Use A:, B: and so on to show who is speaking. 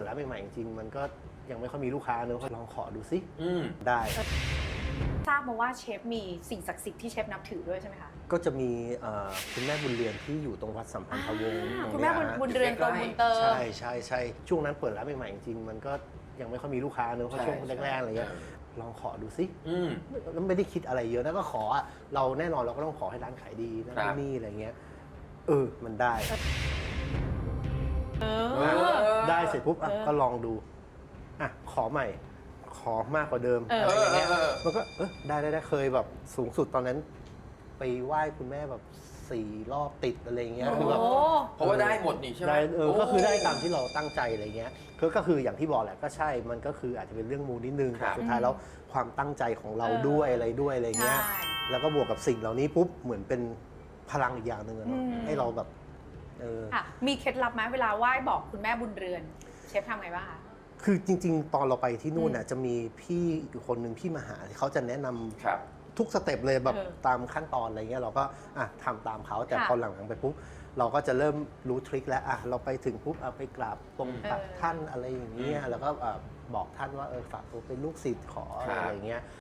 A: ร้านใหม่ๆจริงๆมันก็ยังไม่ค่อยมีลูกค้าเนอะลองขอดูสิได้
B: ทราบมาว่าเชฟมีสิ่งศักดิ์สิทธิ์ที่เชฟนับถือด้วยใช่ไหมคะ
A: ก็จะมีคุณแม่บุญเรือนที่อยู่ตรงวัดสัมพันธวงศ์
B: คุณแม่บุญเรือนโตบุญเติม
A: ใช่ช่วงนั้นเปิดร้านใหม่ๆจริงๆมันก็ยังไม่ค่อยมีลูกค้าเนอะเพราะช่วงแรกๆอะไรเงี้ยลองขอดูสิแล้วไม่ได้คิดอะไรเยอะแล้วก็ขอเราแน่นอนเราก็ต้องขอให้ร้านขายดีนั่นนี่อะไรเงี้ยมันได้ได้เสร็จปุ๊บก็ลองดูขอใหม่ขอมากกว่าเดิมอะไรอย่างเงี้ยมันก็ได้เคยแบบสูงสุดตอนนั้นไปไหว้คุณแม่แบบ4 รอบติดอะไรเงี้ยคือแบบ
C: เพราะว่าได้หมดนี่ใช่ไหม
A: ได้ก็คือได้ตามที่เราตั้งใจอะไรเงี้ยก็คืออย่างที่บอกแหละก็ใช่มันก็คืออาจจะเป็นเรื่องมูนิดนึงแต่สุดท้ายแล้วความตั้งใจของเราด้วยอะไรเงี้ยแล้วก็บวกกับสิ่งเหล่านี้ปุ๊บเหมือนเป็นพลังอีกอย่างหนึ่งให้เราแบบ
B: มีเคล็ดลับไหมเวลาไหว้บอกคุณแม่บุญเรือนเชฟทำไงบ้างคะ
A: คือจริงๆตอนเราไปที่นู่นน่ะจะมีพี่อยู่คนหนึ่งพี่มาหาเขาจะแนะนำทุกสเต็ปเลยแบบตามขั้นตอนอะไรเงี้ยเราก็ทำตามเขาแต่พอหลังๆไปปุ๊บเราก็จะเริ่มรู้ทริคแล้วเราไปถึงปุ๊บไปกราบตรงตักท่านอะไรอย่างเงี้ยแล้วก็บอกท่านว่าฝากตัวเป็นลูกศิษย์ขออะไรอย่างเงี้ย